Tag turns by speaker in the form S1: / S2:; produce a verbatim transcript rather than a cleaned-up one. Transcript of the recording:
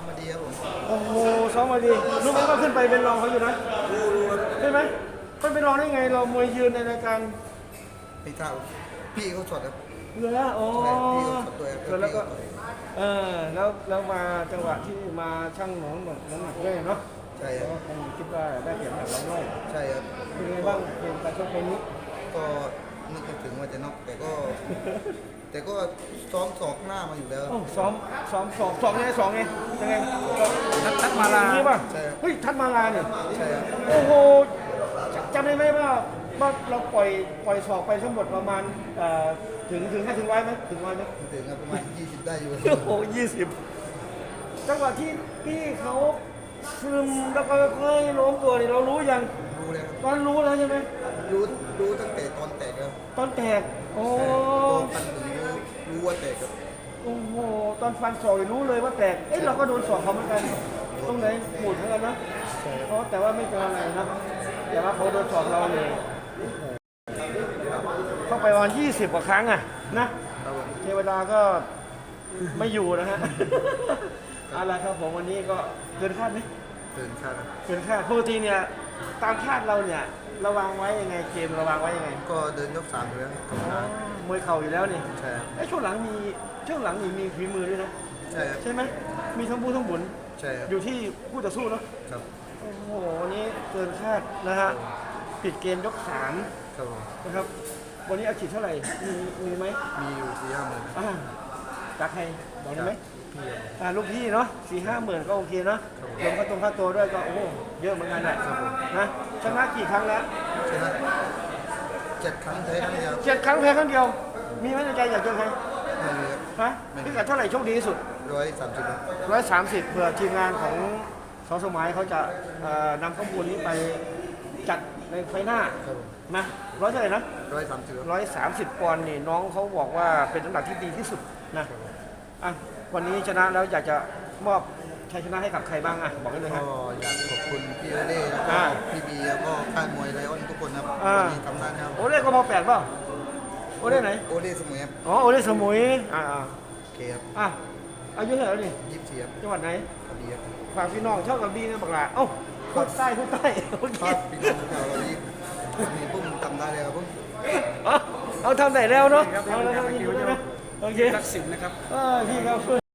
S1: มาดีครับผม
S2: โอ้โหซ้อมมาดีรู้ไหมว่าขึ้นไปเป็นรองเขาอยู่นะ
S1: รู้รู้ครับ
S2: ใช่ไหมมันเป็นรองได้ไงเรามวยยืนในรายการ
S1: พี่เท่าพี่เขาสดครับ
S2: เหลือโอ้
S1: พี่เขาสดด้วยครับ
S2: แล้วก็เออแล้วแล้วมาจังหวะที่มาช่างหนองน้ำหนักด้วยเนาะ
S1: ใช่ครับ
S2: คงคิดว่าได้เปรียบแบบเราด้วย
S1: ใช่ครับ
S2: เป็นไงบ้างเกมการชกไปนี้
S1: ก็นึกถึงว่าจะน็อกแต่ก็ แต่ก็ซ้อมสอกหน้ามาอยู่แล้ว
S2: ซ้อมซ้อมสองสองไงสองไงยังไงทัดทัดมาลา
S1: ใช่
S2: ป่ะเฮ้ยทัดมาลาเนี่ย
S1: ใช่ครับ
S2: โอ้โหจำได้ไหมว่าว่าเราปล่อยปล่อยสอกไปทั้งหมดประมาณถึงถึงให้ถึงไว้ไหมถึงไว้ไหม
S1: ถึงครับประมาณยี่สิบได้อยู่
S2: โอ้โหยี่สิบจังหวะที่พี่เขาซึมแล้วก็ค่อยล้มตัวนี่เรารู้ยัง
S1: รู้แล้ว
S2: ตอนรู้แล้วใช่ไหม
S1: รู้รู้ตั้งแต่ตอนแตกแล้ว
S2: ตอนแตกโอ้
S1: ฟันถึงรู้รู้ว่าแตกครับ
S2: โอ้โหตอนฟันศอกรู้เลยว่าแตกเอ้ยเราก็โดนศอกเขาเหมือนกันตรงไหนหมุดเหมือนกันนะเพราะแต่ว่าไม่เจออะไรนะแต่ว่าเขาโดนศอกเราเลยเข้าไปวันยี่สิบกว่าครั้งอะนะเทวดาก็ไม่อยู่นะฮะอะไรครับผมวันนี้ก็เกินคาดไหม
S1: เกินคาด
S2: เกินคาดปกติเนี่ยตามคาดเราเนี่ยระวังไว้ยังไงเกมระวังไว้ยังไง
S1: ก็เดินยกสามอยู่แล้ว
S2: มวยเข่าอยู่แล้วนี่
S1: ใช่
S2: ไอ้ช่วงหลังมีช่วงหลังนี่มีฝีมือด้วยนะ
S1: ใช่
S2: ใช่ไหมมีทั้งบูทั้งบุญ
S1: ใช่
S2: อยู่ที่ผู้ต่อสู้เนาะ
S1: ครับ
S2: โอ้โหวันนี้เกินคาดนะฮะปิดเกมยกสามนะครับวันนี้อาชีพเท่าไหร่มีมีไหม
S1: มีอยู่สี่ห้าหมื่น
S2: อ่าจากใครบอกได้ไหมอ่าลูกพี่เนาะสี่ห้าหมื่นก็โอเคเนาะรวมค่าตรงค่าตัวด้วยก็โอ้เยอะเหมือนกันแหละนะชนะกี่ครั้งแล้ว
S1: ชนะเจ็ดครั้งแพ้ครั้งเดียว
S2: เจ็ดครั้งแพ้ครั้งเดียวมีไหมในใจอยากเจอใคร
S1: ไม่มี
S2: ฮะพิกัดเท่าไหร่โชคดีที่สุด
S1: ร้อยสามสิบ
S2: ร้อยสามสิบเผื่อทีมงานของสสมัยเขาจะนำข้อมูลนี้ไปจัดในไฟหน้านะร้อยเท่าไหร่นะ
S1: ร้อยสามสิบ
S2: ร้อยสามสิบปอนด์นี่น้องเขาบอกว่าเป็นน้ำหนักที่ดีที่สุดนะอ่ะวันนี้ชนะแล้วอยากจะมอบชัยชนะให้กับใครบ้างอ่ะบอกได้เลยครับ
S1: ก็อยากขอบคุณพี่โอเล่แล้วก็พี่บีแล้วก็ค่ายมวยไลออนทุกคนครับวันนี้ทำงานครับ
S2: โอเล่ก็มาแปดป่ะโอเล่ไหน
S1: โอเล่สมุยครับ
S2: อ๋อโอเล่สมุยอ่า
S1: โอเคครับ
S2: อ่ะอายุเท่าไหร่นี่
S1: ยี่สิบสี่ครับ
S2: จังหวัดไหน
S1: กระบี่ครับ
S2: ฝากพี่น้องชอบกระบี่นะบักหลาเอ้าพูดใต้พูดใต้
S1: โอเคพี่น้องชาวกระบี่มีพุ่งทำได้เลยครับพุ่ง
S2: เอาทำได้แล้วเนาะเอาแล้วทำได้แล้วโอเค
S1: ทักษิณนะครับ
S2: พี่ครับ